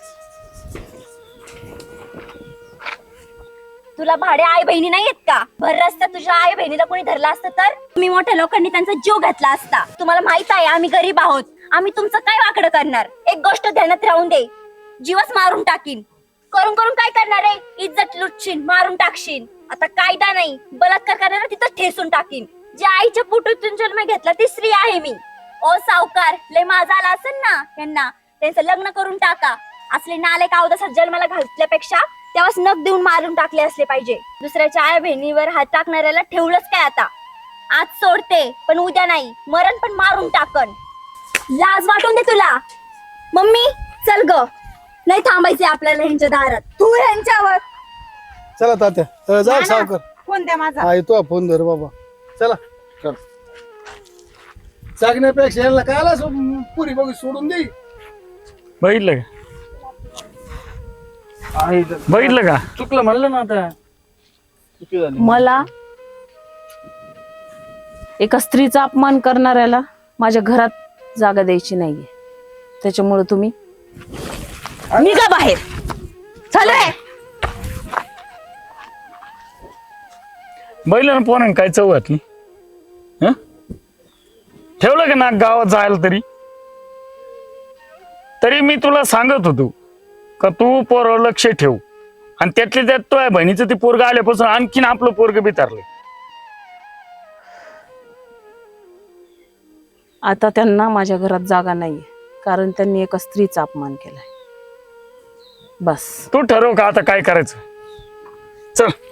[SPEAKER 3] तुला भाडे आई बहिणी नाही आहेत का? भर रस्त्यात तुझ्या आई बहिणीला कोणी धरला असतं तर तुम्ही मोठ्या लोकांनी त्यांचा जीव घातला असता. तुम्हाला माहित आहे आम्ही गरीब आहोत. आम्ही तुमचं काय वाकडं करणार? एक गोष्ट ध्यानात राहून दे, जीवच मारून टाकीन. करून करून काय करणार आहे? इज्जत लुटशील, मारून टाकशील. आता कायदा नाही, बलात्कार करणार तिथं ठेसून टाकीन. ज्या आईच्या पोटातून जन्म घेतला ती स्त्री आहे मी. ओ सावकार लय माझा आला असेल ना यांना त्यांचं लग्न करून टाका. असले नाले कावदासात जन्माला घातल्यापेक्षा तेव्हाच नख देऊन मारून टाकले असले पाहिजे. दुसऱ्याच्या आई बहिणीवर हात टाकणाऱ्याला ठेवलंच काय आता? आज सोडते पण उद्या नाही, मरण पण मारून टाकन. लाज वाटून दे तुला. मम्मी चल ग, नाही थांबायचे आपल्याला ह्यांच्या दारात.
[SPEAKER 6] तू ह्यांच्यावर
[SPEAKER 5] चला तात्या अ, जा सावकर.
[SPEAKER 6] फोन द्या माझा.
[SPEAKER 5] हा येतो फोन धर बाबा. चला चल. सांगण्यापेक्षा यांना कायला सो- पुरी बघू सोडून दे.
[SPEAKER 7] बघितलं का
[SPEAKER 1] आहे.
[SPEAKER 7] बघितलं का
[SPEAKER 1] चुकलं म्हणलं ना आता. चुकी झाली.
[SPEAKER 2] मला एका स्त्रीचा अपमान करणाऱ्याला माझ्या घरात जागा द्यायची नाहीये. त्याच्यामुळे तुम्ही
[SPEAKER 6] निघा बाहेर. चालू
[SPEAKER 7] बघितलं ना पोरांनी काय चव घातली. हं? ठेवलं का ना गावात जायला तरी तरी मी तुला सांगत होतो का तू पोर लक्ष ठेव. आणि त्यातल्या त्यात तो आहे बहिणीचं ते पोरग आल्यापासून आणखीन आपलं पोरग बितारलं.
[SPEAKER 2] आता त्यांना माझ्या घरात जागा नाहीये कारण त्यांनी एका स्त्रीचा अपमान केलाय. बस
[SPEAKER 7] तू ठरव का आता काय करायचं. चल